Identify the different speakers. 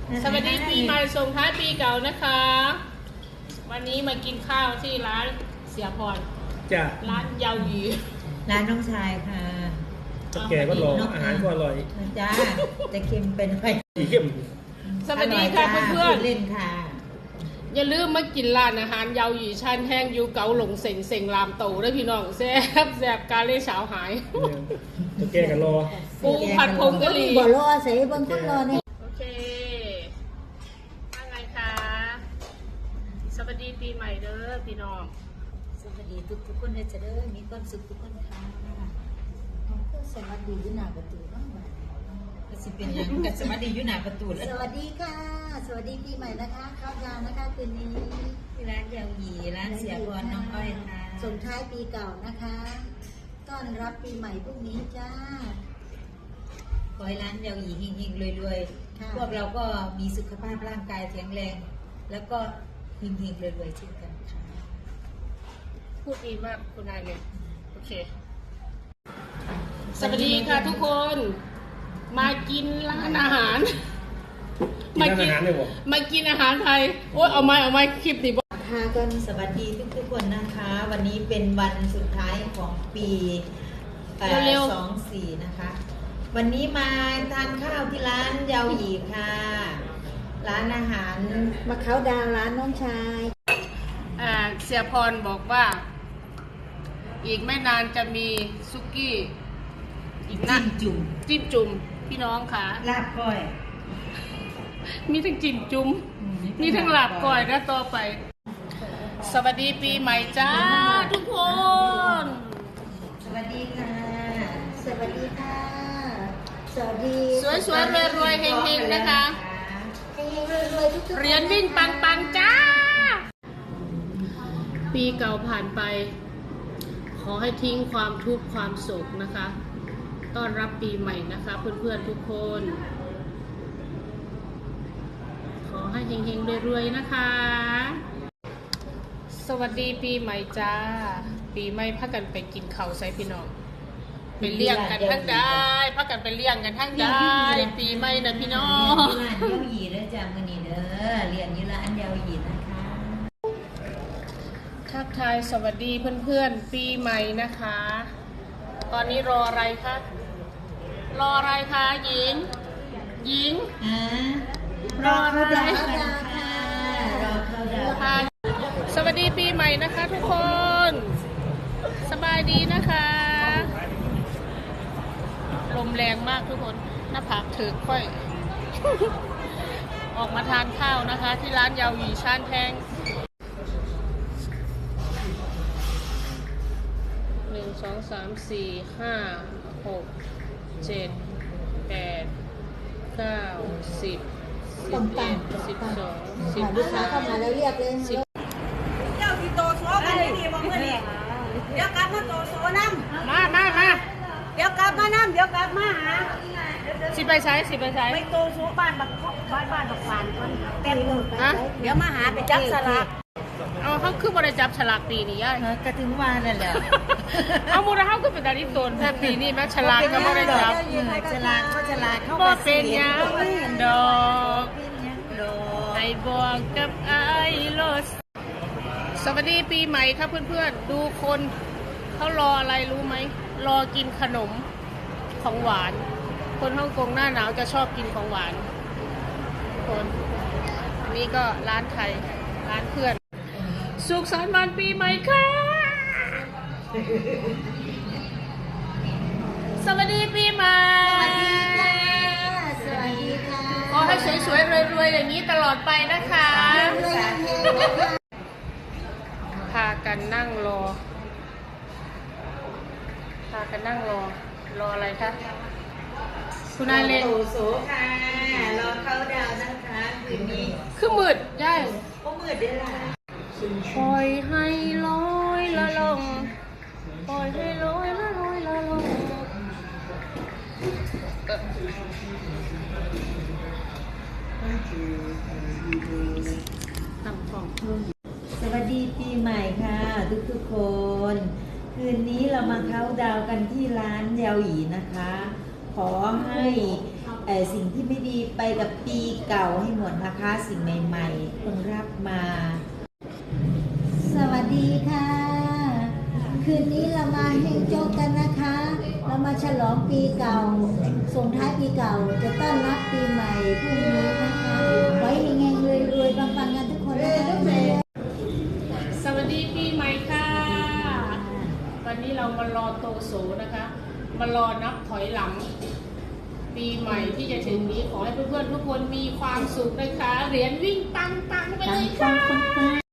Speaker 1: สวัสดีปีใหม่ส่งท้ายปีเก่านะคะ วันนี้มากินข้าวที่ร้านเสียพร
Speaker 2: จ้ะ
Speaker 1: ร้านยาวหยี
Speaker 3: ร้านน้องชายค่ะ
Speaker 2: แกก็รออาหารก็อร่อย
Speaker 3: จ้าจะเค็มเป็นไป
Speaker 2: เข้ม
Speaker 1: สวัสดีค่ะเพื่อน
Speaker 3: เล่นค่ะ
Speaker 1: อย่าลืมมากินร้านอาหารยาวหยีชันแห้งยูเกาหลงเซ็งเซ็งรามโตด้วยพี่น้องแซ่บแซ่บกาเล่เฉาหาย
Speaker 2: แกกันรอ
Speaker 1: ปูผัดผงกะหรี่
Speaker 3: บ่รอใส่บางคนรอเนี่ย
Speaker 1: โอเคว่าไงคะสวัสดีปีใหม่เด้อพี่น้อง
Speaker 3: สวัสดีทุกคนเลยจะเด้อมีความสุขทุกคนค่ะสวัสดีอยู่หน้าประตูบ้างก็สิเป็นอย่างกับสวัสดีอยู่หน้าประตูแล้วสวัสดีค่ะสวัสดีปีใหม่นะคะเข้าวางนะคะคืนนี้ที่ร้านยาวหยีร้านเสียพรน้องอ้อยค่ะส่งท้ายปีเก่านะคะต้อนรับปีใหม่พรุ่งนี้จ้าขอให้ร้านยาวหยีเฮงๆรวยๆพวกเราก็มีสุขภาพร่างกายแข็งแรงแล้วก็เฮงๆรวยๆเช่นกันค่ะ
Speaker 1: พูดดีมากคุณนายเลยโอเคสวัสดีค่ะทุกคนมากินร้านอาหาร
Speaker 2: มากิน
Speaker 1: อาหารไทยโอ้ยเอาไม้คลิปดิบ
Speaker 3: ค่ะกันสวัสดีทุกคนนะคะวันนี้เป็นวันสุดท้ายของปี24นะคะวันนี้มาทานข้าวที่ร้านยาวหยีค่ะร้านอาหารมาเขาดาวร้านน้องชาย
Speaker 1: เสียพรบอกว่าอีกไม่นานจะมีซุกี้อีกนะจิ้มจุ่มพี่น้องค่ะ
Speaker 3: ลาบก้อย
Speaker 1: มีทั้งจิ้มจุ่มมีทั้งลาบก้อยนะต่อไปสวัสดีปีใหม่จ้าทุกคน
Speaker 3: สวัสดีค่ะสวัสดีค่ะสวัสดี
Speaker 1: สวยๆรวยๆเฮงๆนะคะ
Speaker 3: เฮงๆรวยๆทุกๆ
Speaker 1: เหรียญวิ่งปังๆจ้าปีเก่าผ่านไปขอให้ทิ้งความทุกข์ความโศกนะคะต้อนรับปีใหม่นะคะเพื่อนๆทุกคนขอให้เฮงๆรวยๆนะคะสวัสดีปีใหม่จ้าปีใหม่พักกันไปกินข้าวใส่พี่น้องไปเลี้ยงกันทั้งได้พักกันไปเลี้ยงกันทั้งได้ปีใหม่นะพี่น้อง
Speaker 3: ร้านยาวหยีเด้อจ้ามื้อนี้เด้อเลี้ยงอยู่ร้านยาวหยีนะคะ
Speaker 1: ทักทายสวัสดีเพื่อนๆปีใหม่นะคะตอนนี้รออะไรคะหญิงรออะไร
Speaker 3: รอเข้าดาว
Speaker 1: สวัสดีปีใหม่นะคะทุกคนสบายดีนะคะลมแรงมากทุกคนหน้าผากถือค่อย ออกมาทานข้าวนะคะที่ร้านยาวหยีชานแพง1 2 3 4 5 6 7 8 9 10 11 12
Speaker 3: ลูกค้าเข้ามาแล้วเรียกเลย
Speaker 4: เจ้าที่โตโซกันดีๆบ่เมื่อนี้เดี๋ยวกลับมาโตโซน้
Speaker 1: ำมา
Speaker 4: เดี๋ยวกลับมาน้ำเดี๋ยวกลับมาหา
Speaker 1: สิไปใช้
Speaker 4: ไปโตโซบ้านบักฟานคนเต็มเดี๋ยวมาหาไปจับสลาก
Speaker 1: เขาคือบริจับฉลากปีนี้ย่าย
Speaker 3: ก็ถึงว่านั่นแหละ
Speaker 1: เอามูลค่าก็เป็นดาริโตนแค่ปีนี้แม่ฉลากก็บริจับ
Speaker 3: ฉลากเข้า
Speaker 1: มาเป็นยังดอกไอ้บอกกับไอ้โลสสวัสดีปีใหม่ครับเพื่อนๆดูคนเขารออะไรรู้ไหมรอกินขนมของหวานคนฮ่องกงหน้าหนาวจะชอบกินของหวานคนนี่ก็ร้านไทยร้านเพื่อนสุขสันต์วันปีใหม่ค่ะสวัสดีปีใหม่
Speaker 3: สวัสดีค่ะ
Speaker 1: ขอให้สวยๆรวยๆอย่างนี้ตลอดไปนะคะพากันนั่งรออะไรคะคุณนายเล่น
Speaker 3: โตโซค่ะรอเข้าดาวนะคะคืนนี้
Speaker 1: คือมืดย่าย
Speaker 3: ก็มืดได้ละ
Speaker 1: ปล่อยให้ลอยละลงปล่อยให้ลอยละลอยละลงตั้งฟอง
Speaker 3: สวัสดีปีใหม่ค่ะทุกคนคืนนี้เรามาเข้าดาวกันที่ร้านยาวหยีนะคะขอให้สิ่งที่ไม่ดีไปกับปีเก่าให้หมดนะคะ สิ่งใหม่ๆต้องรับมา สวัสดีค่ะ คืนนี้เรามาเฮงโจ๊กกันนะคะ เรามาฉลองปีเก่า ส่งท้ายปีเก่าจะต้อนรับปีใหม่พรุ่งนี้นะคะไว้เฮงๆรวยๆปังๆกันทุกคนนะคะ
Speaker 1: สวัสดีปีใหม่ค่ะ วันนี้เรามารอโตโสนะคะ มารอนับถอยหลัง ปีใหม่ที่จะถึงนี้ขอให้เพื่อนๆทุกคนมีความสุขนะคะเหรียญวิ่งปังๆไปเลยค่ะ